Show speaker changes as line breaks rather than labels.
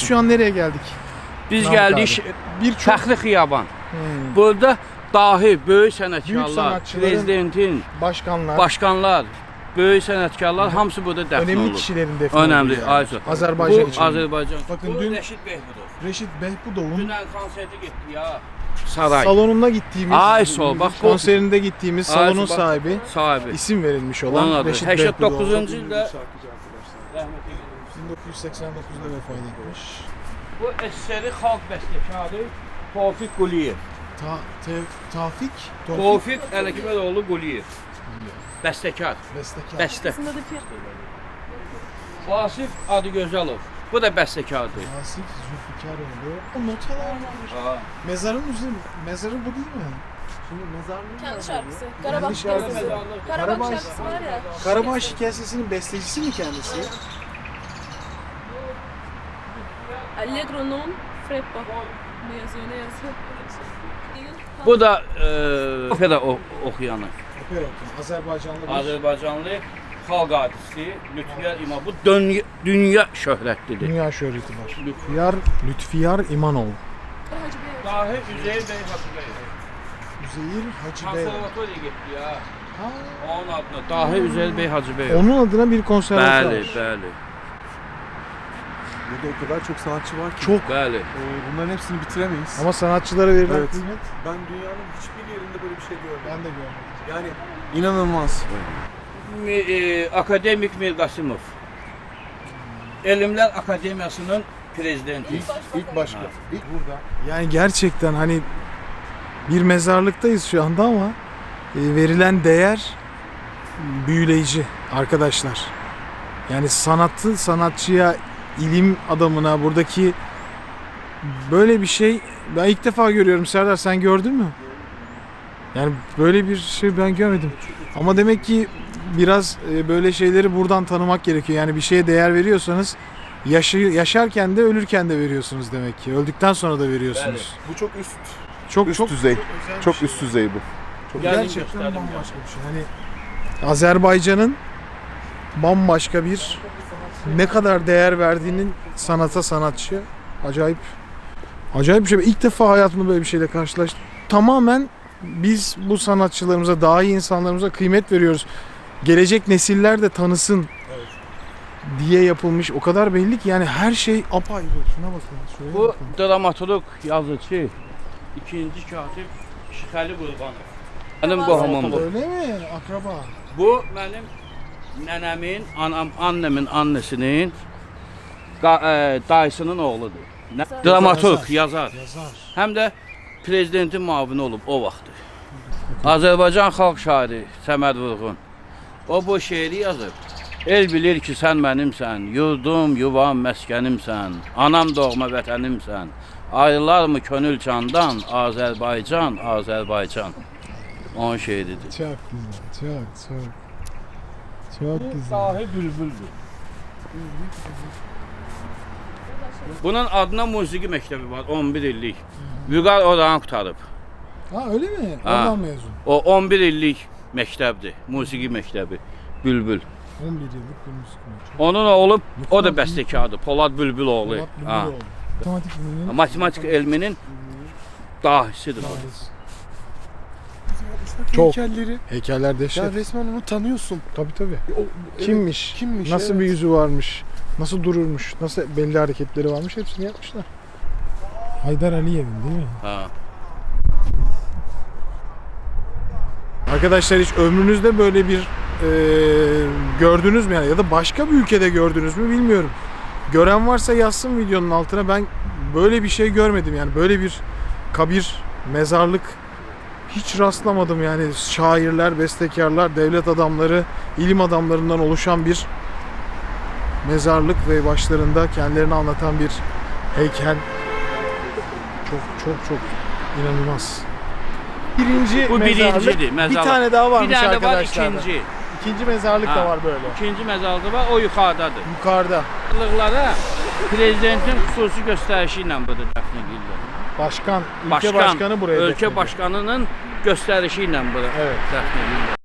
şu an nereye geldik?
Biz
Namık
gəldik
Birçok
Fəxri Xiyaban. Burada dahi, böyük sənətkarlar,
sanatçıların-
prezidentin,
başkanlar,
başkanlar, böyük sənətkarlar hamısı burada dəfn
önemli
olur.
kişilerin defni
Önəmli,
olduğu
Aysu.
Azərbaycan
Bu
için.
Azərbaycan.
Bakın
Bu
dün-
Rəşid Behbudov.
Reşit Behbudov'un
Dünən konserti getdi ya. Saray.
salonuna gittiğimiz,
Ay sol, bak bu-
konserinde gittiğimiz
Ay
salonun
sol, bak.
sahibi,
Sahibi.
isim verilmiş
Onun
olan
adı.
Reşit
89.
Behbudov.
ildə
1989'da vefat etmiş.
bu əsəri xalq bəstəkarı Tofiq Quliyev.
Tafik,
Tofiq Ələkmədoğlu Quliyev. Bəstəkar.
bestekar.
Bəstə.
Aslında da fiyat.
Vasif Adıgözəlov. Bu da bəstəkardır.
Asif Zülfikaroğlu. O notalar var. Mezarın üzerinde, mezarı bu değil mi? Şimdi mezarlığı
Kendi
var
şarkısı.
bu.
Karabağ
Kendi şarkısı.
şarkısı. Karabağ
Karabağ-
şarkısı var ya.
Karabağ Şikayesi'nin bestecisi mi kendisi?
Allegro non freppa. Ne yazıyor ne yazıyor?
Bu da opera oxuyanı.
Opera okuyan, Azerbaycanlı bir
Azərbaycanlı xalq artisti Lütfiyar İmam. Bu dünya şöhrətlidir.
dünya şöhreti var. Lütfiyar İmanov.
Hacı Bey.
Dahi Üzeyir bəy Hacıbəyev.
Üzeyir Hacı Bey.
Konservatoriya getdi ya.
Ha,
Onun adına Dahi Üzeyir bəy Hacıbəyev.
onun adına bir konservatuvar.
Bəli, bəli.
Burada o kadar çok sanatçı var ki
Çok.
Bəli.
bunların hepsini bitiremeyiz.
Ama sanatçılara verilen
Evet.
kıymet
Ben dünyanın hiçbir yerinde böyle bir şey görmedim.
ben de görmedim.
Yani inanılmaz.
Akademik Mir Qasımov. Elmlər Akademiyasının prezidenti.
İlk başka. İlk burada.
Yani gerçekten hani bir mezarlıktayız şu anda ama verilen değer büyüleyici arkadaşlar. Yani sanatçıya, ilim adamına buradaki böyle bir şey ben ilk defa görüyorum. Serdar sen gördün mü? Yani böyle bir şey ben görmedim. Ama demek ki biraz böyle şeyleri buradan tanımak gerekiyor. Yani bir şeye değer veriyorsanız yaşarken de ölürken de veriyorsunuz demek ki. Öldükten sonra da veriyorsunuz.
Bu çok üst
Çok
düzey.
özel bir
Çok
şey.
üst düzey bu. Çok
Geldim
Gerçekten
gösterdim
bambaşka bir şey. Hani Azerbaycan'ın bambaşka bir ne kadar değer verdiğinin sanata, sanatçıya acayip bir şey. İlk defa hayatımda böyle bir şeyle karşılaştım. Tamamen biz bu sanatçılarımıza, daha iyi insanlarımıza kıymet veriyoruz. Gelecek nesiller de tanısın diye yapılmış. O kadar belli ki yani her şey apayrı. Şuna bakın. Şuraya
Bu
bakın.
dramaturg, yazıcı, ikinci katib Şixəli Qurbanov. Mənim qohumumdur.
Öyle mi? Akraba.
Bu mənim nənəmin, annemin annesinin dayısının oğludur. Dramaturg, yazar.
Yazar.
Həm də prezidentin müavini olub o vaxtı. Azərbaycan xalq şairi Səməd Vurğun. O bu şeiri yazıb. El bilir ki sən mənimsən, yurdum, yuvam, məskənimsən, anam doğma vətənimsən. Ayrılar mı könül candan, Azərbaycan, Azərbaycan. Onun şeiridir.
Çok güzel. Çok güzel.
Dahi bülbüldür. Bunun adına musiqi məktəbi var, 11 illik. Vüqar oranı qutarıb.
Ha öyle mi?
Ha.
Oradan mezun.
O 11 illik məktəbdir, musiqi məktəbi. Bülbül.
11 yıllık bir müzik öğretmeni.
Onun oğlu, o da bəstəkardır, Polad Bülbüloğlu.
Polat
Ha.
Bülbüloğlu. Matematik bilginin
Matematik elminin dahisidir o.
dahisi.
Çok.
Çok. Heykeller dehşet.
Ya resmen onu tanıyorsun.
Tabii.
O,
Kimmiş?
Kimmiş?
Nasıl
evet.
bir yüzü varmış? Nasıl dururmuş? Nasıl belli hareketleri varmış? Hepsini yapmışlar. Haydar Aliyev'in değil mi?
Ha.
Arkadaşlar hiç ömrünüzde böyle bir gördünüz mü yani? Ya da başka bir ülkede gördünüz mü bilmiyorum. Gören varsa yazsın videonun altına. Ben böyle bir şey görmedim yani. Böyle bir kabir, mezarlık hiç rastlamadım yani. Şairler, bestekarlar, devlet adamları, ilim adamlarından oluşan bir mezarlık ve başlarında kendilerini anlatan bir heykel. Çok inanılmaz. Birinci
Bu
mezarlık.
birincidir, mezarlık.
Bir tane daha varmış
Bir tane var
arkadaşlar.
ikinci.
İkinci mezarlık da
Ha.
var böyle.
İkinci məzarlığı var, o yuxarıdadır.
Yukarıda.
Mezarlıqlara prezidentin xüsusi göstərişi ilə burada dəfn edirlər.
Başkan, ülke başkanı buraya
Ölkə
defnediyor.
başkanının göstərişi ilə burada
Evet.
dəfn edirlər.